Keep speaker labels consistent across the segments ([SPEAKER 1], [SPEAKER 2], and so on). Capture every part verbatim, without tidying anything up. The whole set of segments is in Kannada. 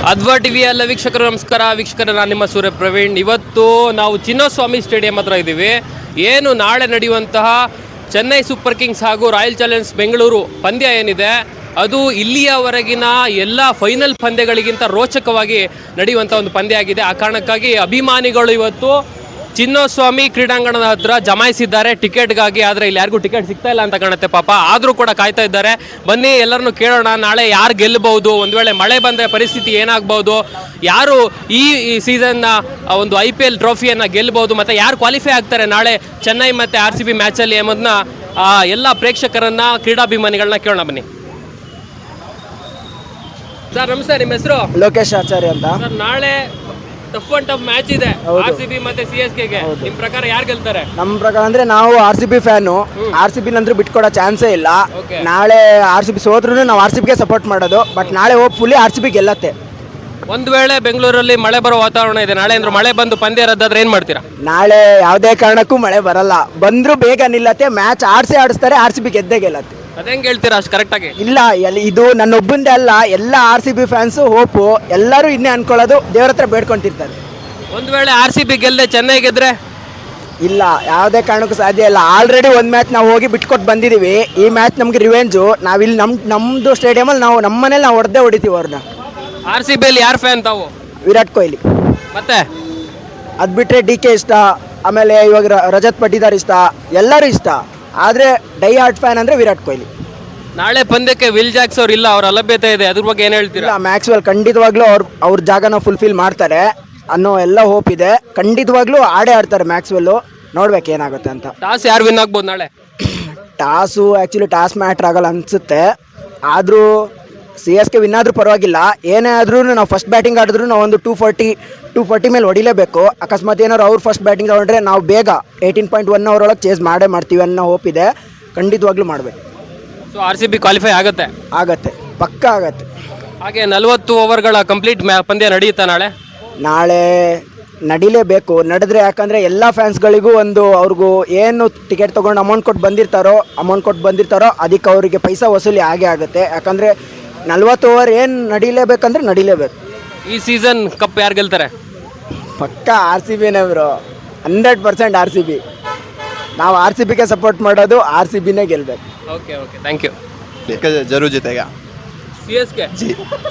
[SPEAKER 1] ಅದ್ವಾ ಟಿವಿಯ ಎಲ್ಲ ವೀಕ್ಷಕರು ನಮಸ್ಕಾರ. ವೀಕ್ಷಕರ, ನಾನು ನಿಮ್ಮ ಸೂರ್ಯ ಪ್ರವೀಣ್. ಇವತ್ತು ನಾವು ಚಿನ್ನಸ್ವಾಮಿ ಸ್ಟೇಡಿಯಂ ಹತ್ರ ಇದ್ದೀವಿ. ಏನು ನಾಳೆ ನಡೆಯುವಂತಹ ಚೆನ್ನೈ ಸೂಪರ್ ಕಿಂಗ್ಸ್ ಹಾಗೂ ರಾಯಲ್ ಚಾಲೆಂಜರ್ಸ್ ಬೆಂಗಳೂರು ಪಂದ್ಯ ಏನಿದೆ, ಅದು ಇಲ್ಲಿಯವರೆಗಿನ ಎಲ್ಲ ಫೈನಲ್ ಪಂದ್ಯಗಳಿಗಿಂತ ರೋಚಕವಾಗಿ ನಡೆಯುವಂಥ ಒಂದು ಪಂದ್ಯ ಆಗಿದೆ. ಆ ಕಾರಣಕ್ಕಾಗಿ ಅಭಿಮಾನಿಗಳು ಇವತ್ತು ಚಿನ್ನಸ್ವಾಮಿ ಕ್ರೀಡಾಂಗಣದ ಹತ್ರ ಜಮಾಯಿಸಿದ್ದಾರೆ ಟಿಕೆಟ್ಗಾಗಿ. ಆದರೆ ಇಲ್ಲಿ ಯಾರಿಗೂ ಟಿಕೆಟ್ ಸಿಗ್ತಾ ಇಲ್ಲ ಅಂತ ಕಾಣುತ್ತೆ ಪಾಪ. ಆದರೂ ಕೂಡ ಕಾಯ್ತಾ ಇದ್ದಾರೆ. ಬನ್ನಿ ಎಲ್ಲರನ್ನು ಕೇಳೋಣ, ನಾಳೆ ಯಾರು ಗೆಲ್ಲಬಹುದು, ಒಂದು ವೇಳೆ ಮಳೆ ಬಂದರೆ ಪರಿಸ್ಥಿತಿ ಏನಾಗಬಹುದು, ಯಾರು ಈ ಸೀಸನ್ನ ಒಂದು ಐ ಪಿ ಎಲ್ ಟ್ರೋಫಿಯನ್ನು ಗೆಲ್ಲಬಹುದು, ಮತ್ತು ಯಾರು ಕ್ವಾಲಿಫೈ ಆಗ್ತಾರೆ ನಾಳೆ ಚೆನ್ನೈ ಮತ್ತು ಆರ್ ಸಿ ಬಿ ಮ್ಯಾಚಲ್ಲಿ ಎಂಬುದನ್ನ ಎಲ್ಲ ಪ್ರೇಕ್ಷಕರನ್ನ, ಕ್ರೀಡಾಭಿಮಾನಿಗಳನ್ನ ಕೇಳೋಣ. ಬನ್ನಿ ಸರ್. ನಮಸ್ತೆ, ನಿಮ್ಮ ಹೆಸರು?
[SPEAKER 2] ಲೋಕೇಶ್ ಆಚಾರ್ಯ ಅಂತ.
[SPEAKER 1] ಸರ್, ನಾಳೆ ಟಫ್ ಅಂಡ್ ಟಫ್ ಮ್ಯಾಚ್ ಇದೆ ಆರ್ ಸಿ ಬಿ ಮತ್ತೆ ಸಿ ಎಸ್ ಕೆ ಗೆ. ನಿಮ್ ಪ್ರಕಾರ ಯಾರು ಗೆಲ್ತಾರೆ?
[SPEAKER 2] ನಮ್ಮ ಪ್ರಕಾರ ಅಂದ್ರೆ ನಾವು R C B fan. R C B ನಂತರ ಬಿಟ್ಕೊಡೋ ಚಾನ್ಸೇ ಇಲ್ಲ. ನಾಳೆ ಆರ್ ಸಿ ಬಿ ಸೋತ್ರು ನಾವು ಆರ್ ಸಿ ಬಿಗೆ ಸಪೋರ್ಟ್ ಮಾಡೋದು. ಬಟ್ ನಾಳೆ ಹೋಪ್ಫುಲಿ ಆರ್ ಸಿ ಬಿ ಗೆಲ್ಲತ್ತೆ.
[SPEAKER 1] ಒಂದ್ ವೇಳೆ ಬೆಂಗಳೂರಲ್ಲಿ ಮಳೆ ಬರೋ ವಾತಾವರಣ ಇದೆ, ನಾಳೆ ಅಂದ್ರೆ ಮಳೆ ಬಂದು ಪಂದ್ಯ ರದ್ದಾದ್ರೆ ಏನ್ ಮಾಡ್ತೀರಾ?
[SPEAKER 2] ನಾಳೆ ಯಾವುದೇ ಕಾರಣಕ್ಕೂ ಮಳೆ ಬರಲ್ಲ. ಬಂದ್ರು ಬೇಗ ನಿಲ್ಲತ್ತೆ. ಮ್ಯಾಚ್ ಆಡ್ಸೇ ಆಡಿಸ್ತಾರೆ. ಆರ್ ಸಿ ಬಿ ಗೆದ್ದೇ ಗೆಲ್ಲತ್ತೆ.
[SPEAKER 1] ಅದೇಂಗ್ ಹೇಳ್ತೀರಾ ಅಷ್ಟು ಕರೆಕ್ಟ್ ಆಗಿ?
[SPEAKER 2] ಇಲ್ಲ, ಇದು ನನ್ನ ಒಬ್ಬಂದೇ ಅಲ್ಲ, ಎಲ್ಲ R C B fans hope ಎಲ್ಲರೂ ಇನ್ನೇ ಅನ್ಕೊಳ್ಳೋದು, ದೇವ್ರ ಹತ್ರ ಬೇಡ್ಕೊಂತಿರ್ತಾರೆ.
[SPEAKER 1] ಒಂದ್ ವೇಳೆ ಆರ್ ಸಿ ಬಿ ಗೆಲ್ಲದೆ ಚೆನ್ನೈ ಗೆದ್ರೆ?
[SPEAKER 2] ಇಲ್ಲ, ಯಾವುದೇ ಕಾರಣಕ್ಕೂ ಸಾಧ್ಯ ಇಲ್ಲ. ಆಲ್ರೆಡಿ ಒಂದು ಮ್ಯಾಚ್ ನಾವು ಹೋಗಿ ಬಿಟ್ಕೊಟ್ಟು ಬಂದಿದ್ದೀವಿ. ಈ ಮ್ಯಾಚ್ ನಮ್ಗೆ ರಿವೆಂಜು. ನಾವಿಲ್ಲಿ ನಮ್ಮ ನಮ್ಮದು ಸ್ಟೇಡಿಯಮಲ್ಲಿ ನಾವು ನಮ್ಮ ಮನೇಲಿ ನಾವು ಹೊಡೆದೇ ಹೊಡಿತೀವಿ ಅವ್ರನ್ನ.
[SPEAKER 1] ಆರ್ ಸಿ ಬಿಯಲ್ಲಿ ಯಾರು ಫ್ಯಾನ್ ತಾವು?
[SPEAKER 2] ವಿರಾಟ್ ಕೊಹ್ಲಿ.
[SPEAKER 1] ಮತ್ತೆ
[SPEAKER 2] ಅದು ಬಿಟ್ಟರೆ ಡಿ ಕೆ ಇಷ್ಟ, ಆಮೇಲೆ ಇವಾಗ ರಜತ್ ಪಟ್ಟಿದಾರ್ ಇಷ್ಟ, ಎಲ್ಲರೂ ಇಷ್ಟ. ಆದರೆ ಡೈ ಹಾರ್ಟ್ ಫ್ಯಾನ್ ಅಂದರೆ ವಿರಾಟ್ ಕೊಹ್ಲಿ.
[SPEAKER 1] ನಾಳೆ ಪಂದ್ಯಕ್ಕೆ ವಿಲ್ ಜಾಕ್ಸ್ ಅವ್ರು ಇಲ್ಲ, ಅವ್ರ ಅಲಭ್ಯತೆ ಇದೆ, ಅದ್ರ ಬಗ್ಗೆ ಏನು ಹೇಳ್ತೀರಾ?
[SPEAKER 2] ಇಲ್ಲ, ಮ್ಯಾಕ್ಸ್ವೆಲ್ ಖಂಡಿತವಾಗ್ಲೂ ಅವ್ರ ಅವ್ರ ಜಾಗನ ಫುಲ್ಫಿಲ್ ಮಾಡ್ತಾರೆ ಅನ್ನೋ ಎಲ್ಲ ಹೋಪ್ ಇದೆ. ಖಂಡಿತವಾಗ್ಲೂ ಆಡೇ ಆಡ್ತಾರೆ ಮ್ಯಾಕ್ಸ್ವೆಲ್ಲು. ನೋಡ್ಬೇಕು ಏನಾಗುತ್ತೆ ಅಂತ.
[SPEAKER 1] ಟಾಸ್ ಯಾರು ವಿನ್ ಆಗ್ಬೋದು ನಾಳೆ?
[SPEAKER 2] ಟಾಸು ಆ್ಯಕ್ಚುಲಿ ಟಾಸ್ ಮ್ಯಾಟ್ರ್ ಆಗಲ್ಲ ಅನಿಸುತ್ತೆ. ಆದರೂ ಸಿ ಎಸ್ ಕೆ ವಿನ್ ಆದರೂ ಪರವಾಗಿಲ್ಲ. ಏನೇ ಆದ್ರೂ ನಾವು ಫಸ್ಟ್ ಬ್ಯಾಟಿಂಗ್ ಆಡಿದ್ರು ನಾವು ಒಂದು ಟೂ ಫಾರ್ಟಿ ಟೂ ಫಾರ್ಟಿ ಮೇಲೆ ಹೊಡಿಲೇಬೇಕು. ಅಕಸ್ಮಾತ್ ಏನಾದ್ರು ಅವ್ರು ಫಸ್ಟ್ ಬ್ಯಾಟಿಂಗ್ ತಗೊಂಡ್ರೆ ನಾವು ಬೇಗ ಏಯ್ಟೀನ್ ಪಾಯಿಂಟ್ ಒನ್ ಅವರ್ ಒಳಗೆ ಚೇಸ್ ಮಾಡೇ ಮಾಡ್ತೀವಿ ಅನ್ನೋ ಹೋಪ್ ಇದೆ. ಖಂಡಿತವಾಗ್ಲೂ ಮಾಡಬೇಕು.
[SPEAKER 1] So R C B qualify ಆಗುತ್ತೆ?
[SPEAKER 2] ಆಗತ್ತೆ, ಪಕ್ಕ ಆಗತ್ತೆ.
[SPEAKER 1] ಹಾಗೆ ನಲವತ್ತು ಓವರ್ಗಳ ಕಂಪ್ಲೀಟ್ ಮ್ಯಾ ಪಂದ್ಯ ನಡೆಯುತ್ತಾ ನಾಳೆ?
[SPEAKER 2] ನಾಳೆ ನಡಿಲೇಬೇಕು. ನಡೆದ್ರೆ ಯಾಕಂದರೆ ಎಲ್ಲ ಫ್ಯಾನ್ಸ್ಗಳಿಗೂ ಒಂದು ಅವ್ರಿಗೂ ಏನು ಟಿಕೆಟ್ ತೊಗೊಂಡು ಅಮೌಂಟ್ ಕೊಟ್ಟು ಬಂದಿರ್ತಾರೋ ಅಮೌಂಟ್ ಕೊಟ್ಟು ಬಂದಿರ್ತಾರೋ ಅದಕ್ಕೆ ಅವರಿಗೆ ಪೈಸಾ ವಸೂಲಿ ಆಗೇ ಆಗುತ್ತೆ. ಯಾಕಂದರೆ ನಲ್ವತ್ತು ಓವರ್ ಏನು ನಡೀಲೇಬೇಕಂದ್ರೆ ನಡೀಲೇಬೇಕು.
[SPEAKER 1] ಈ ಸೀಸನ್ ಕಪ್ ಯಾರು ಗೆಲ್ತಾರೆ?
[SPEAKER 2] ಪಕ್ಕ ಆರ್ ಸಿ ಬಿನೇ bro, hundred percent R C B. ನಾವು ಆರ್ ಸಿ ಬಿಗೆ ಸಪೋರ್ಟ್ ಮಾಡೋದು, ಆರ್ ಸಿ ಬಿನೇ ಗೆಲ್ಲಬೇಕು.
[SPEAKER 1] Okay okay thank you.
[SPEAKER 3] जरूर जीतेगा
[SPEAKER 1] सी एस के
[SPEAKER 3] जी.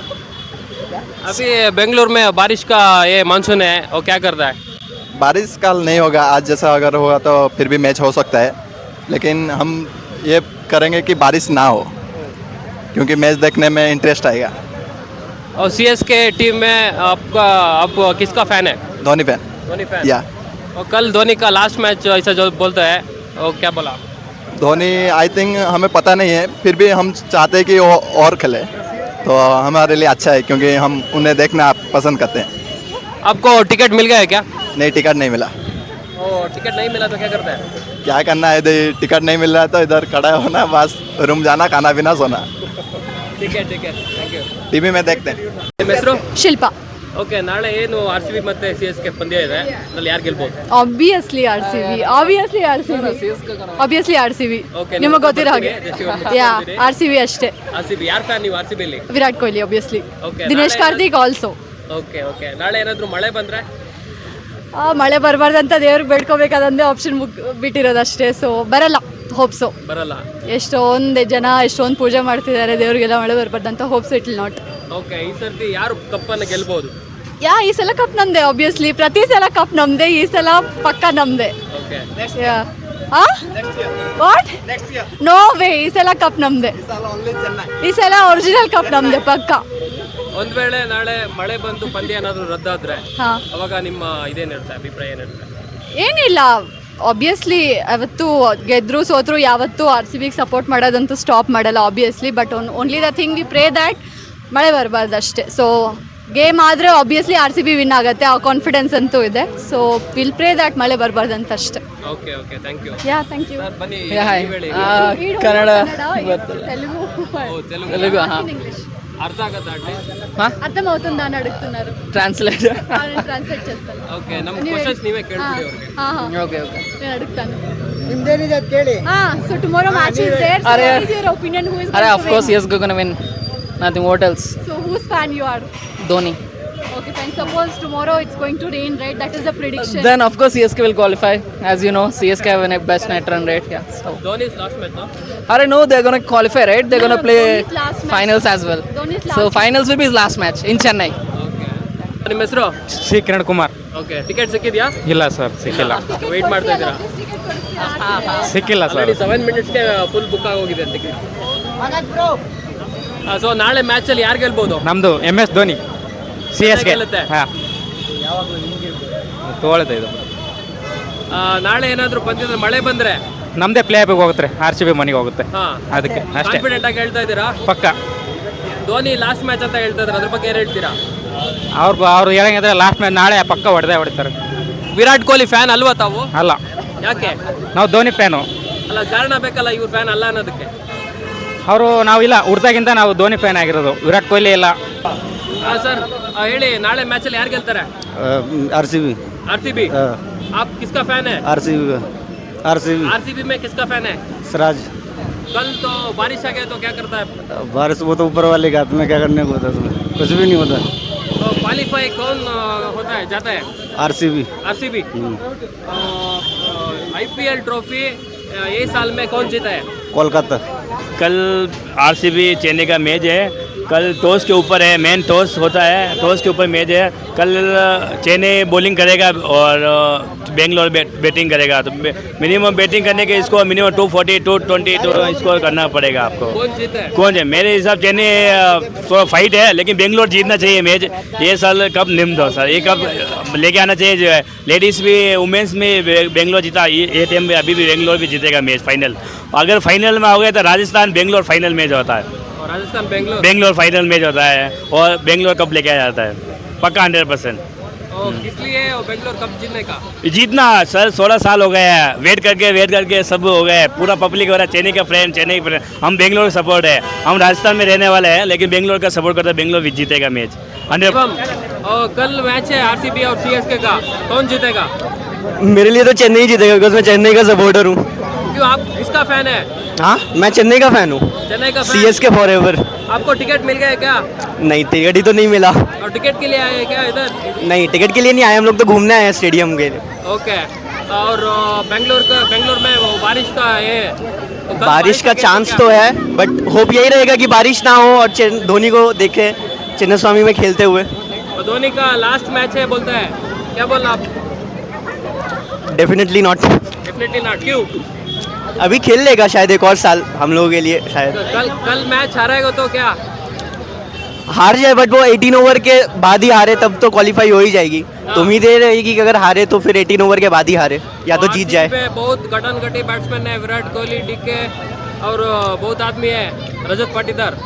[SPEAKER 1] अभी बेंगलुरु में बारिश का ये मानसून है, वो क्या करता है?
[SPEAKER 3] बारिश कल नहीं होगा, आज जैसा अगर होगा तो फिर भी मैच हो सकता है. लेकिन हम ये करेंगे कि बारिश ना हो, क्योंकि मैच देखने में इंटरेस्ट आएगा.
[SPEAKER 1] और सी एस के टीम में आपका आप किसका फ़ैन है?
[SPEAKER 3] धोनी फैन.
[SPEAKER 1] धोनी फैन.
[SPEAKER 3] या
[SPEAKER 1] और कल धोनी का लास्ट मैच ऐसा जो बोलता है, वो क्या बोला?
[SPEAKER 3] धोनी आई थिंक हमें पता नहीं है, फिर भी हम चाहते हैं कि वो और खेले तो हमारे लिए अच्छा है, क्योंकि हम उन्हें देखना पसंद करते हैं.
[SPEAKER 1] आपको टिकट मिल गया है क्या?
[SPEAKER 3] नहीं, टिकट नहीं मिला.
[SPEAKER 1] ओ टिकट नहीं मिला तो क्या करता है?
[SPEAKER 3] क्या करना है, इधर टिकट नहीं मिल रहा है तो इधर खड़ा होना, बस रूम जाना, खाना पीना, सोना.
[SPEAKER 1] ठीक है ठीक है, थैंक यू.
[SPEAKER 3] टीवी में देखते हैं.
[SPEAKER 1] ನಿಮ್ಮ ಹೆಸರು?
[SPEAKER 4] ಶಿಲ್ಪಾ.
[SPEAKER 1] ಓಕೆ, ನಾಳೆ ಏನು ಆರ್ ಸಿ ಬಿ ಮತ್ತೆ ಸಿ ಎಸ್ ಕೆ ಪಂದ್ಯ ಇದೆ, ಅದ್ರಲ್ಲಿ ಯಾರು ಗೆಲ್ಬಹುದು?
[SPEAKER 4] Obviously R C B obviously R C B obviously R C B
[SPEAKER 1] Okay,
[SPEAKER 4] ನಿಮಗೆ ಗೊತ್ತಿರೋ ಹಾಗೆ. ಯಾ ಆರ್ ಸಿ ಬಿ ಅಷ್ಟೇ.
[SPEAKER 1] ಆರ್ ಸಿ ಬಿ ಯಾರು ಫ್ಯಾನ್ ನೀವು ಆರ್ ಸಿ ಬಿ ಅಲ್ಲಿ?
[SPEAKER 4] ವಿರಾಟ್ ಕೊಹ್ಲಿ ಆಬ್ವಿಯಸ್ಲಿ.
[SPEAKER 1] Okay,
[SPEAKER 4] ದಿನೇಶ್
[SPEAKER 1] ನಾಳೆ
[SPEAKER 4] ಕಾರ್ತಿಕ್ ಆಲ್ಸೋ.
[SPEAKER 1] ಓಕೆ ಓಕೆ ನಾಳೆ ಏನಾದರೂ ಮಳೆ ಬಂದ್ರೆ?
[SPEAKER 4] ಮಳೆ ಬರಬಾರ್ದಂತ ದೇವ್ರಿಗೆ ಬೇಡ್ಕೋಬೇಕಾದಂದೇ ಆಪ್ಷನ್ ಬಿಟ್ಟಿರೋದಷ್ಟೇ. ಸೊ ಬರಲ್ಲ, ಹೋಪ್ಸೋ.
[SPEAKER 1] ಬರಲ್ಲ.
[SPEAKER 4] ಎಷ್ಟೊಂದು ಜನ ಎಷ್ಟೊಂದು ಪೂಜೆ ಮಾಡ್ತಿದ್ದಾರೆ, ದೇವ್ರಿಗೆಲ್ಲ ಮಳೆ ಬರಬಾರ್ದಂತ. Hopes it will not.
[SPEAKER 1] Okay, ಈ ಸರ್ತಿ ಯಾರು ಕಪ್ಪನ್ನು ಗೆಲ್ಬಹುದು?
[SPEAKER 4] ಯಾ ಈ ಸಲ ಕಪ್ ನಮ್ದೆ ಆಬ್ವಿಯಸ್ಲಿ. ಪ್ರತಿ ಸಲ ಕಪ್ ನಮ್ದೆ, ಈ ಸಲ ಪಕ್ಕ ನಮ್ದೆ.
[SPEAKER 1] ಓಕೆ,
[SPEAKER 4] ಯಾ ಆ ವಾಟ್ ನೋ ವೇ, ಈ ಸಲ ಕಪ್ ನಮ್ದೆ. ಈ ಸಲ ಒರಿಜಿನಲ್ ಕಪ್ ನಮ್ದೆ ಪಕ್ಕ.
[SPEAKER 1] ಒಂದ್ ವೇಳೆ ನಾಳೆ ಮಳೆ ಬಂದು ಪಂದ್ಯ ಏನಾದರೂ ರದ್ದಾದ್ರೆ
[SPEAKER 4] ಹಾ,
[SPEAKER 1] ಅವಾಗ ನಿಮ್ಮ ಇದೇನಿರುತ್ತೆ, ಅಭಿಪ್ರಾಯ ಏನಿರುತ್ತೆ?
[SPEAKER 4] ಏನಿಲ್ಲ, ಆಬ್ವಿಯಸ್ಲಿ ಅವತ್ತು ಗೆದ್ರು ಸೋತ್ರು ಯಾವತ್ತೂ ಆರ್ ಸಿ ಬಿಗೆ ಸಪೋರ್ಟ್ ಮಾಡೋದಂತೂ ಸ್ಟಾಪ್ ಮಾಡಲ್ಲ obviously. But one only the thing we pray that ಮಳೆ ಬರಬಾರ್ದು ಅಷ್ಟೇ. ಸೊ ಗೇಮ್ ಆದರೆ obviously R C B win ಆಗುತ್ತೆ, ಆ ಕಾನ್ಫಿಡೆನ್ಸ್ ಅಂತೂ ಇದೆ. ಸೊ ವಿಲ್ ಪ್ರೇ ದ್ಯಾಟ್ ಮಳೆ ಬರಬಾರ್ದು ಅಂತ ಅಷ್ಟೇ.
[SPEAKER 1] Okay okay thank you.
[SPEAKER 4] Yeah thank you.
[SPEAKER 1] Sir ಬನ್ನಿ,
[SPEAKER 5] ಹಾಯ್.
[SPEAKER 1] ನೀವ್ ಹೇಳಿ.
[SPEAKER 5] ಕನ್ನಡ
[SPEAKER 4] తెలుగు
[SPEAKER 1] ಓ, ತೆಲುಗು
[SPEAKER 5] తెలుగు
[SPEAKER 4] ఇంగ్లీష్
[SPEAKER 1] అర్థం ఆగదా అంటే?
[SPEAKER 4] అర్థమవుతుందా అని అడుగుతున్నారు.
[SPEAKER 5] ట్రాన్స్లేట్.
[SPEAKER 4] ట్రాన్స్లేట్ చేస్తాను.
[SPEAKER 1] ఓకే, ನಮ್ಮ ಕ್ವೆಶ್ಚನ್ಸ್ ನೀವೇ ಕೇಳ್ಬಿಡಿ ಅವ್ರಿಗೆ.
[SPEAKER 4] ಹಾ ಹಾ
[SPEAKER 5] ಓಕೆ ಓಕೆ
[SPEAKER 4] నేను అడుగుతాను.
[SPEAKER 2] ನಿಮ್ದೇನಿದೆ ಅಂತ ಕೇಳಿ.
[SPEAKER 4] ಹಾ, so tomorrow match is there.
[SPEAKER 5] Are-
[SPEAKER 4] What is your opinion? Who is
[SPEAKER 5] అరే
[SPEAKER 4] going
[SPEAKER 5] of
[SPEAKER 4] to
[SPEAKER 5] course
[SPEAKER 4] win?
[SPEAKER 5] Yes going win, nothing what else.
[SPEAKER 4] So whose fan you are?
[SPEAKER 5] Dhoni.
[SPEAKER 4] Okay, fine. Suppose tomorrow it's going to rain, right? That is the prediction.
[SPEAKER 5] Then of course C S K will qualify. As you know, C S K have a best net run rate. Yeah. So
[SPEAKER 1] Dhoni last match
[SPEAKER 5] I don't know they're gonna qualify, right? They're
[SPEAKER 4] No,
[SPEAKER 5] gonna
[SPEAKER 4] no,
[SPEAKER 5] play
[SPEAKER 4] Dhoni's last match.
[SPEAKER 5] finals as well.
[SPEAKER 4] Dhoni's
[SPEAKER 5] So
[SPEAKER 4] last
[SPEAKER 5] finals will be his last match in Chennai.
[SPEAKER 1] ನಿಮ್ಮ ಹೆಸರು
[SPEAKER 6] C Kiran Kumar.
[SPEAKER 1] Okay ticket ಸಿಕ್ಕಿದ್ಯಾ
[SPEAKER 6] ಇಲ್ಲ ಸರ್ ಸಿಕ್ಕಿಲ್ಲ
[SPEAKER 1] ವೆಯ್ಟ್ ಮಾಡ್ತಾ ಇದ್ದೀರಾ
[SPEAKER 6] ಸಿಕ್ಕಿಲ್ಲ ಸರ್.
[SPEAKER 1] ಆಲ್ರೆಡಿ ಸೆವೆನ್ ಮಿನಿಟ್ಸ್ಗೆ ಫುಲ್ ಬುಕ್ ಆಗೋಗಿದೆ ಟಿಕೆಟ್. ಸೊ ನಾಳೆ ಮ್ಯಾಚಲ್ಲಿ ಯಾರು ಗೆಲ್ಬೋದು?
[SPEAKER 6] ನಮ್ಮದು M S Dhoni C S K.
[SPEAKER 1] ಗೆಲ್ಲುತ್ತೆ.
[SPEAKER 6] ಹಾಂ ತೊಗೊಳುತ್ತೆ ಇದು.
[SPEAKER 1] ಆ, ನಾಳೆ ಏನಾದರೂ ಪಂದ್ಯದಲ್ಲಿ ಮಳೆ ಬಂದ್ರೆ
[SPEAKER 6] ನಮ್ಮದೇ ಪ್ಲೇ ಆಫಿಗೆ ಹೋಗುತ್ತೆ, ಆರ್ ಸಿ ಬಿ ಮನೆಗೆ ಹೋಗುತ್ತೆ.
[SPEAKER 1] ಹಾಂ
[SPEAKER 6] ಅದಕ್ಕೆ ಅಷ್ಟೇ
[SPEAKER 1] ಕಾನ್ಫಿಡೆಂಟ್ ಆಗಿ ಹೇಳ್ತಾ ಇದ್ದೀರಾ?
[SPEAKER 6] ಪಕ್ಕ.
[SPEAKER 1] ಧೋನಿ ಲಾಸ್ಟ್ ಮ್ಯಾಚ್ ಅಂತ ಹೇಳ್ತಾ ಇದ್ದಾರೆ, ಅದ್ರ ಬಗ್ಗೆ ಏನು ಹೇಳ್ತೀರಾ?
[SPEAKER 6] ಅವ್ರು ಅವ್ರು ಹೇಳಂಗಿದ್ರೆ ಲಾಸ್ಟ್ ಮ್ಯಾಚ್ ನಾಳೆ ಪಕ್ಕ ಹೊಡೆದೇ ಹೊಡಿತಾರೆ.
[SPEAKER 1] ವಿರಾಟ್ ಕೊಹ್ಲಿ ಫ್ಯಾನ್ ಅಲ್ವಾ ತಾವು?
[SPEAKER 6] ಅಲ್ಲ,
[SPEAKER 1] ಯಾಕೆ?
[SPEAKER 6] ನಾವು ಧೋನಿ ಫ್ಯಾನು.
[SPEAKER 1] ಅಲ್ಲ ಕಾರಣ ಬೇಕಲ್ಲ ಇವ್ರ ಫ್ಯಾನ್ ಅಲ್ಲ ಅನ್ನೋದಕ್ಕೆ.
[SPEAKER 6] ಅವರು ನಾವಿಲ್ಲ ಹುಡ್ದಾಗಿಂದ ನಾವು ಧೋನಿ ಫ್ಯಾನ್ ಆಗಿರೋದು, ವಿರಾಟ್ ಕೊಹ್ಲಿ ಇಲ್ಲ.
[SPEAKER 1] ಹಾಂ ಸರ್ ಹೇಳಿ, ನಾಳೆ ಮ್ಯಾಚಲ್ಲಿ ಯಾರು ಗೆಲ್ತಾರೆ?
[SPEAKER 7] R C B
[SPEAKER 1] R C B. आप किसका फैन है?
[SPEAKER 7] R C B R C B
[SPEAKER 1] R C B में किसका फैन है?
[SPEAKER 7] सिराज।
[SPEAKER 1] कल तो बारिश आ गया तो क्या करता है?
[SPEAKER 7] बारिश वो तो ऊपर वाले के हाथ में, क्या करने को होता है तुम्हें, कुछ भी नहीं होता।
[SPEAKER 1] तो क्वालिफाई कौन अ, होता है जाता है?
[SPEAKER 7] R C B
[SPEAKER 1] R C B. I P L trophy ये साल में कौन जीता है?
[SPEAKER 7] कोलकाता।
[SPEAKER 8] कल आरसीबी चेन्नई का मैच है। कल टॉस के ऊपर है, मेन टॉस होता है, टॉस के ऊपर मैच है। कल चेन्नई बॉलिंग करेगा और बेंगलोर बै, बैटिंग करेगा। तो मिनिमम बैटिंग करने के इसको minimum two forty two twenty two score करना पड़ेगा आपको।
[SPEAKER 1] कौन जीता है?
[SPEAKER 8] कौन है? मेरे हिसाब चेन्नई थोड़ा फाइट है, लेकिन बेंगलोर जीतना चाहिए मैच। ये साल कप निम्न दो सर, ये कप लेके आना चाहिए। जो है लेडीज़ भी वुमेंस में बेंगलोर जीता, ये ये टाइम में अभी भी बेंगलोर भी जीतेगा मैच फाइनल। अगर फाइनल में हो गया तो राजस्थान बेंगलोर फाइनल मैच होता है।
[SPEAKER 1] और राजस्थान बेंगलोर
[SPEAKER 8] बेंगलोर फाइनल मैच होता है और बेंगलोर कप लेके आ जाता है पक्का हंड्रेड परसेंट।
[SPEAKER 1] और किस लिए वो बेंगलोर कप जीतने का?
[SPEAKER 8] जीतना सर सोलह साल हो गए हैं, वेट करके वेट करके सब हो गए। पूरा पब्लिक हो रहा है चेन्नई का फ्रेंड, चेन्नई फ्रेंड। हम बेंगलोर सपोर्ट है, हम राजस्थान में रहने वाले हैं, लेकिन बेंगलोर का सपोर्ट करते हैं। बेंगलोर भी जीतेगा मैच हंड्रेड।
[SPEAKER 1] और कल मैच है आर सी बी और सी एस के का, कौन जीतेगा?
[SPEAKER 2] मेरे लिए तो चेन्नई जीतेगा, बिकॉज मैं चेन्नई का सपोर्टर हूँ।
[SPEAKER 1] क्यों, आप किसका फैन है?
[SPEAKER 2] हाँ, मैं चेन्नई का फैन हूँ,
[SPEAKER 1] चेन्नई का
[SPEAKER 2] C
[SPEAKER 1] fan.
[SPEAKER 2] S K forever.
[SPEAKER 1] आपको टिकट मिल गया है क्या?
[SPEAKER 2] नहीं, टिकट ही तो नहीं मिला।
[SPEAKER 1] और टिकट के लिए आए हैं क्या इधर?
[SPEAKER 2] नहीं, टिकट के लिए नहीं आए हम लोग, तो घूमने आए हैं स्टेडियम के लिए।
[SPEAKER 1] ओके। और अ, बेंगलोर का बेंगलोर में वो बारिश का है तो कल
[SPEAKER 2] बारिश का
[SPEAKER 1] क्या-
[SPEAKER 2] चांस
[SPEAKER 1] क्या-
[SPEAKER 2] तो है, बट होप यही रहेगा कि बारिश ना हो और चेन- धोनी को देखे चिन्ना स्वामी में खेलते हुए।
[SPEAKER 1] और धोनी का लास्ट मैच है बोलता है, क्या बोलना आप?
[SPEAKER 2] Definitely not.
[SPEAKER 1] Definitely not. क्यों?
[SPEAKER 2] अभी खेल लेगा शायद एक और साल हम लोगों के लिए शायद।
[SPEAKER 1] तो कल कल मैच हारेगा तो क्या?
[SPEAKER 2] हार जाए, बट वो अठारह ओवर के बाद ही हारे तब तो क्वालिफाई हो ही जाएगी। तो उम्मीद ये रहेगी कि अगर हारे तो फिर अठारह ओवर के बाद ही हारे, या तो जीत जाए।
[SPEAKER 1] पे बहुत गटन गटी बैट्समैन है, विराट कोहली, डीके और अ, बहुत आदमी है, रजत पाटीदार।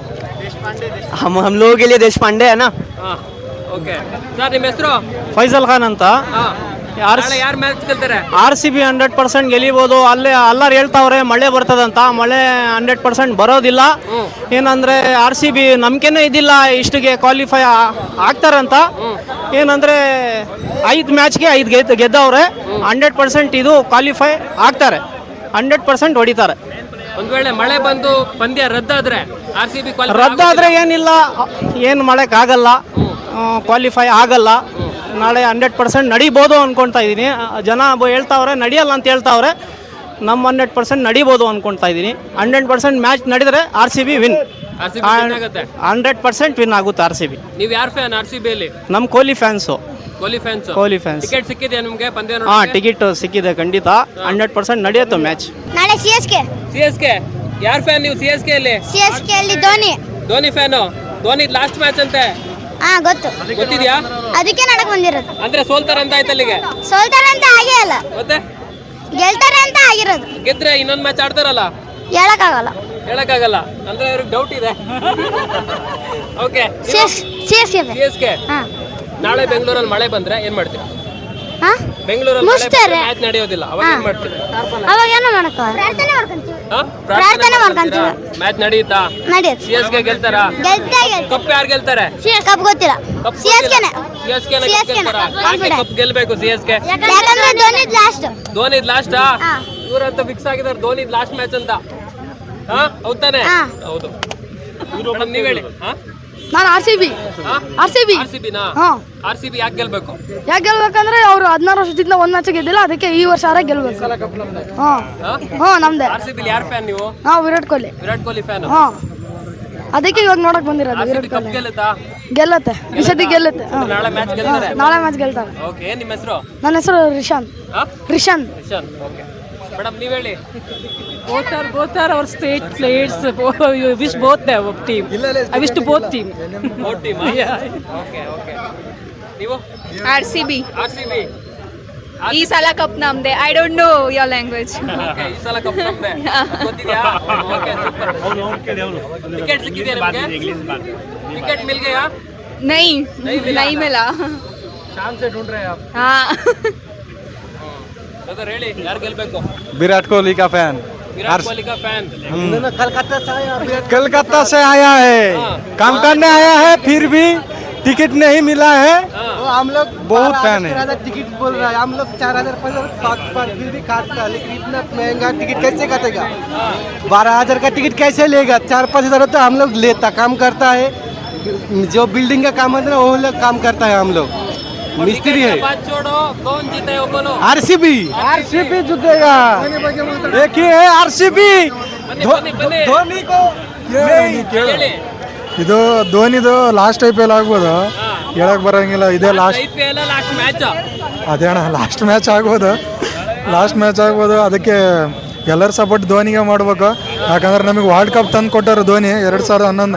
[SPEAKER 2] हम हम लोगों के लिए देश पांडे है ना।
[SPEAKER 1] ಹಾಂ ಓಕೆ ಸರ್, ನಿಮ್ಮ ಹೆಸರು?
[SPEAKER 9] ಫೈಸಲ್ ಖಾನ್ ಅಂತ.
[SPEAKER 1] ಹಾಂ
[SPEAKER 9] ಆರ್
[SPEAKER 1] ನಾಳೆ ಯಾರು ಮ್ಯಾಚ್ ಗೆಲ್ತಾರೆ?
[SPEAKER 9] R C B hundred percent ಗೆಲಿಬೋದು. ಅಲ್ಲೇ ಎಲ್ಲರೂ ಹೇಳ್ತಾವ್ರೆ ಮಳೆ ಬರ್ತದಂತ, ಮಳೆ ಹಂಡ್ರೆಡ್ ಪರ್ಸೆಂಟ್ ಬರೋದಿಲ್ಲ. ಏನಂದ್ರೆ ಆರ್ ಸಿ ಬಿ ನಂಬಿಕೆನೇ ಇದಿಲ್ಲ ಇಷ್ಟಿಗೆ ಕ್ವಾಲಿಫೈ ಆಗ್ತಾರಂತ. ಏನಂದ್ರೆ ಐದು ಮ್ಯಾಚ್ಗೆ ಐದು ಗೆದ್ದು ಗೆದ್ದವ್ರೆ. ಹಂಡ್ರೆಡ್ ಪರ್ಸೆಂಟ್ ಇದು ಕ್ವಾಲಿಫೈ ಆಗ್ತಾರೆ, ಹಂಡ್ರೆಡ್ ಪರ್ಸೆಂಟ್ ಹೊಡಿತಾರೆ.
[SPEAKER 1] ಒಂದು ವೇಳೆ ಮಳೆ ಬಂದು ಪಂದ್ಯ ರದ್ದಾದ್ರೆ ಆರ್ ಸಿ ಬಿ
[SPEAKER 9] ರದ್ದಾದ್ರೆ ಏನಿಲ್ಲ, ಏನು ಮಾಡೋಕ್ಕಾಗಲ್ಲ, ಕ್ವಾಲಿಫೈ ಆಗಲ್ಲ. ನಾಳೆ ಹಂಡ್ರೆಡ್ ಪರ್ಸೆಂಟ್ ನಡಿಬೋದು ಅಂದ್ಕೊಳ್ತಾ ಇದ್ದೀನಿ. ಜನ ಬ- ಹೇಳ್ತಾವ್ರೆ ನಡೆಯಲ್ಲ ಅಂತ ಹೇಳ್ತಾವ್ರೆ. ನಮ್ಮ ಹಂಡ್ರೆಡ್ ಪರ್ಸೆಂಟ್ ನಡಿಬೋದು ಅಂದ್ಕೊಳ್ತಾ ಇದ್ದೀನಿ. ಹಂಡ್ರೆಡ್ ಪರ್ಸೆಂಟ್ ಮ್ಯಾಚ್ ನಡೆದರೆ R C B win,
[SPEAKER 1] R C B ಆಗುತ್ತೆ.
[SPEAKER 9] ಹಂಡ್ರೆಡ್ ಪರ್ಸೆಂಟ್ ವಿನ್ ಆಗುತ್ತೆ ಆರ್ ಸಿ ಬಿ.
[SPEAKER 1] ನೀವು ಯಾರು ಫ್ಯಾನ್ ಆರ್ ಸಿ ಬಿ ಅಲ್ಲಿ?
[SPEAKER 9] ನಮ್ಮ Kohli fans.
[SPEAKER 1] Kohli fans.
[SPEAKER 9] Kohli fans.
[SPEAKER 1] Ticket ಸಿಕ್ಕಿದೆಯಾ ನಿಮಗೆ ಪಂದ್ಯ
[SPEAKER 9] ಹಾಂ,
[SPEAKER 1] ನೋಡೋಕೆ?
[SPEAKER 9] ಟಿಕೆಟ್ ಸಿಕ್ಕಿದೆ ಖಂಡಿತ. ಹಂಡ್ರೆಡ್ ಪರ್ಸೆಂಟ್ ನಡೆಯುತ್ತೆ ಮ್ಯಾಚ್.
[SPEAKER 10] ನಾಳೆ C S K
[SPEAKER 1] C S K ಯಾರು ಫ್ಯಾನ್ ನೀವು? ಸಿ ಎಸ್ ಕೆ ಅಲ್ಲಿ
[SPEAKER 10] ಸಿ ಎಸ್ ಕೆ ಅಲ್ಲಿ Dhoni.
[SPEAKER 1] Dhoni fan. Dhoni last match ಅಂತೆ,
[SPEAKER 10] ಹಾ ಗೊತ್ತು,
[SPEAKER 1] ಗೊತ್ತಿದ್ಯಾ?
[SPEAKER 10] ಅದಕ್ಕೆ ನಡಕ್ ಬಂದಿರೋದು.
[SPEAKER 1] ಅಂದ್ರೆ ಸೋಲ್ತಾರೆ ಅಂತ ಆಯ್ತು ಅಲ್ಲಿಗೆ.
[SPEAKER 10] ಸೋಲ್ತಾರೆ ಅಂತ ಆಗೇ ಅಲ್ಲ,
[SPEAKER 1] ಮತ್ತೆ
[SPEAKER 10] ಗೆಲ್ತಾರೆ ಅಂತ ಆಗಿರೋದು.
[SPEAKER 1] ಗೆದ್ರೆ ಇನ್ನೊಂದು ಮ್ಯಾಚ್ ಆಡ್ತಾರಲ್ಲ,
[SPEAKER 10] ಹೇಳಕ್ಕಾಗಲ್ಲ.
[SPEAKER 1] ಹೇಳಕ್ಕಾಗಲ್ಲ ಅಂದ್ರೆ ಅವ್ರಿಗೆ ಡೌಟ್ ಇದೆ. Okay,
[SPEAKER 10] C S C S K
[SPEAKER 1] C S K
[SPEAKER 10] ಹಾ
[SPEAKER 1] ನಾಳೆ ಬೆಂಗಳೂರಲ್ಲಿ ಮಳೆ ಬಂದ್ರೆ ಏನ್ ಮಾಡ್ತೀರಾ?
[SPEAKER 10] ಹಾ
[SPEAKER 1] ಬೆಂಗಳೂರಲ್ಲಿ
[SPEAKER 10] ಮುಚ್ತಾರೆ.
[SPEAKER 1] ಮ್ಯಾಚ್ ನಡೆಯೋದಿಲ್ಲ, ಅವಾಗ ಏನ್ ಮಾಡ್ತೀರಾ?
[SPEAKER 10] ಅವಾಗ ಏನೋ ಮಾಡಕ್ಕಾಗಲ್ಲ, ಪ್ರಾರ್ಥನೆ ಮಾಡ್ಕೊಂತೀವಿ.
[SPEAKER 1] ಹಾ?
[SPEAKER 10] ಪ್ರಾರ್ಥನೆ ಮಾಡ್ಕೊಂತೀವಿ.
[SPEAKER 1] ಮ್ಯಾಚ್ ನಡೆಯುತ್ತಾ?
[SPEAKER 10] ನಡೆಯುತ್ತೆ.
[SPEAKER 1] ಸಿ ಎಸ್ ಕೆ ಗೆಲ್ತಾರಾ?
[SPEAKER 10] ಗೆಲ್ತಾ ಗೆಲ್ತಾ
[SPEAKER 1] ಕಪ್ ಯಾರು ಗೆಲ್ತಾರೆ?
[SPEAKER 10] ಸಿ ಎಸ್ ಕಪ್ ಗೊತ್ತಿಲ್ಲ. ಸಿ ಎಸ್ ಕೆನೆ
[SPEAKER 1] C S K
[SPEAKER 10] C S ಕೆನೆ
[SPEAKER 1] ಯಾಕೆ ಕಪ್ ಗೆಲ್ಬೇಕು ಸಿ ಎಸ್ ಕೆ?
[SPEAKER 10] ಯಾಕಂದ್ರೆ ಧೋನಿ ಲಾಸ್ಟ್.
[SPEAKER 1] ಧೋನಿ ಲಾಸ್ಟಾ?
[SPEAKER 10] ಹಾ.
[SPEAKER 1] ಇವರಂತ ಫಿಕ್ಸ್ ಆಗಿದ್ದಾರೆ ಧೋನಿ ಲಾಸ್ಟ್ ಮ್ಯಾಚ್ ಅಂತ. ಹಾ ಹೌದಾನೆ?
[SPEAKER 10] ಹಾ.
[SPEAKER 1] ಹೌದು. ಮೇಡಮ್ ನೀವ್ ಹೇಳಿ. ಹಾ
[SPEAKER 10] ನಾನು R C B R C B
[SPEAKER 1] R C ಬಿನಾ
[SPEAKER 10] ಹಾಂ
[SPEAKER 1] ಆರ್ ಸಿ ಬಿ ಯಾಕೆ ಗೆಲ್ಬೇಕು?
[SPEAKER 10] ಯಾಕೆ ಗೆಲ್ಬೇಕಂದ್ರೆ ಅವರು ಹದಿನಾರು ವರ್ಷದಿಂದ ಒಂದು ಮ್ಯಾಚ್ ಗೆದ್ದಿಲ್ಲ, ಅದಕ್ಕೆ ಈ ವರ್ಷ ಆರ ಗೆಲ್ಬೇಕು. ಹಾಂ ಹಾಂ ನಮ್ದೆ.
[SPEAKER 1] ಆರ್ ಸಿ ಬಿ ಯಾರ್ ಫ್ಯಾನ್ ನೀವು?
[SPEAKER 10] ನಾವು ವಿರಾಟ್ ಕೊಹ್ಲಿ.
[SPEAKER 1] ವಿರಾಟ್ ಕೊಹ್ಲಿ ಫ್ಯಾನ್.
[SPEAKER 10] ಹಾಂ ಅದಕ್ಕೆ ಇವಾಗ ನೋಡಕ್ ಬಂದಿರೋದು.
[SPEAKER 1] R C
[SPEAKER 10] Virat
[SPEAKER 1] B cup
[SPEAKER 10] Kohli
[SPEAKER 1] ಗೆಲ್ಲುತ್ತಾ?
[SPEAKER 10] ಗೆಲ್ಲತ್ತೆ, ಈ ಸತಿ ಗೆಲ್ಲುತ್ತೆ. ಹಾಂ
[SPEAKER 1] ನಾಳೆ ಮ್ಯಾಚ್ ಗೆಲ್ತಾರೆ.
[SPEAKER 10] ನಾಳೆ ಮ್ಯಾಚ್ ಗೆಲ್ತಾರೆ.
[SPEAKER 1] ಓಕೆ, ಏನ್ ನಿಮ್ಮ ಹೆಸರು?
[SPEAKER 10] ನನ್ನ ಹೆಸರು ರಿಷಾನ್.
[SPEAKER 1] ಹಾ?
[SPEAKER 10] ರಿಷಾನ್.
[SPEAKER 1] ರಿಷಾನ್. ಓಕೆ ಮೇಡಮ್, ನೀವ್ ಹೇಳಿ.
[SPEAKER 5] Both are both are our state players. You wish both the team. I wish to both team.
[SPEAKER 1] Both team. Okay okay. ನೀವು?
[SPEAKER 4] R C B
[SPEAKER 1] R C B.
[SPEAKER 4] ಈ ಸಲ ಕಪ್ ನಮ್ದೆ. I don't know your language.
[SPEAKER 1] Okay, ಈ ಸಲ ಕಪ್ ನಮ್ದೆ. ಗೊತ್ತಿದ್ಯಾ? Okay, super. ಟಿಕೆಟ್ ಸಿಕ್ಕಿದೆಯಾ ನಿಮಗೆ? ಟಿಕೆಟ್ ಮಿಲ್ ಗಯಾ?
[SPEAKER 4] ನೈ ನೈ ಮಿಲಾ. ಹಾ
[SPEAKER 1] ಸರ್ ಹೇಳಿ, ಯಾರು ಗೆಲ್ಬೇಕು?
[SPEAKER 7] विराट कोहली का फैन।
[SPEAKER 1] विराट कोहली का फैन।
[SPEAKER 7] कलकत्ता से आया है, काम करने आया है, फिर भी टिकट नहीं मिला है। हम लोग बहुत फैन है। टिकट बोल रहा है, हम लोग चार हजार पाँच फिर भी काटता, लेकिन इतना महंगा टिकट कैसे काटेगा? बारह हजार का टिकट कैसे लेगा? चार पाँच हजार तो हम लोग लेता, काम करता है, जो बिल्डिंग का काम होता है वो लोग काम करता है। हम लोग मिस्त्री है।
[SPEAKER 1] बात छोड़ो, कौन जीता है वो बोलो।
[SPEAKER 7] आरसीबी आरसीबी जीतेगा। एक ही है आरसीबी।
[SPEAKER 1] बने बने
[SPEAKER 7] धोनी को
[SPEAKER 1] ಹೇಳಿ.
[SPEAKER 7] ಇದು ಧೋನಿದು ಲಾಸ್ಟ್ ಐ ಪಿ ಎಲ್ ಆಗ್ಬೋದು, ಹೇಳಕ್ ಬರಂಗಿಲ್ಲ. ಇದೇ last
[SPEAKER 1] I P L last match.
[SPEAKER 7] ಅದೇ ಅಣ್ಣ, ಲಾಸ್ಟ್ ಮ್ಯಾಚ್ ಆಗ್ಬೋದು, ಲಾಸ್ಟ್ ಮ್ಯಾಚ್ ಆಗ್ಬೋದು. ಅದಕ್ಕೆ ಎಲ್ಲರ ಸಪೋರ್ಟ್ ಧೋನಿಗೆ ಮಾಡ್ಬೇಕು. ಯಾಕಂದ್ರೆ ನಮಗೆ ವರ್ಲ್ಡ್ ಕಪ್ ತಂದು ಕೊಟ್ಟರು ಧೋನಿ ಎರಡು ಸಾವಿರದ ಹನ್ನೊಂದು.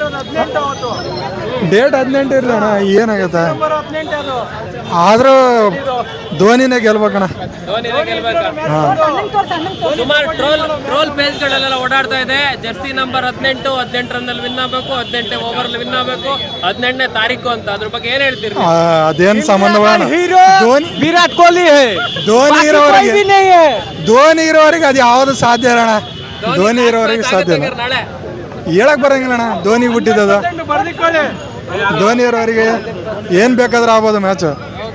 [SPEAKER 7] ಡೇಟ್ ಹದಿನೆಂಟು ಇರಲಿ ಅಣ್ಣ, ಏನಾಗುತ್ತೆ ಆದರೂ ಧೋನಿನೇ ಗೆಲ್ಬೇಕಣ್ಣ.
[SPEAKER 1] ಧೋನಿನೇ ಗೆಲ್ಬೇಕಾ? ಸುಮಾರು ಟ್ರೋಲ್ ಟ್ರೋಲ್ ಪೇಜ್ಗಳೆಲ್ಲ ಓಡಾಡ್ತಾ ಇದೆ. ಜರ್ಸಿ ನಂಬರ್ ಹದಿನೆಂಟು ಹದಿನೆಂಟು ರನ್ನಲ್ಲಿ ವಿನ್ ಆಗಬೇಕು, ಹದಿನೆಂಟು ಓವರ್ಲಿ ವಿನ್ ಆಗಬೇಕು, ಹದಿನೆಂಟನೇ ತಾರೀಕು ಅಂತ. ಅದ್ರ ಬಗ್ಗೆ ಏನ್ ಹೇಳ್ತೀರಿ?
[SPEAKER 7] ಅದೇನು ಸಂಬಂಧ? ಧೋನಿ
[SPEAKER 9] ವಿರಾಟ್ ಕೊಹ್ಲಿ
[SPEAKER 7] ಧೋನಿ ಇರೋವರೆಗೆ ಧೋನಿ ಇರೋವರೆಗೆ ಅದು ಯಾವುದು ಸಾಧ್ಯ ಅಣ್ಣ. ಧೋನಿ ಇರೋವರೆಗೆ ಸಾಧ್ಯ ಇಲ್ಲ,
[SPEAKER 1] ನಾಳೆ
[SPEAKER 7] ಹೇಳಕ್ ಬರಂಗಿಲ್ಲ ಅಣ್ಣ. ಧೋನಿ ಬಿಟ್ಟಿದ್ದದ, ಧೋನಿ ಇರೋವರೆಗೆ ಏನು ಬೇಕಾದ್ರೂ ಆಗ್ಬೋದು ಮ್ಯಾಚ್.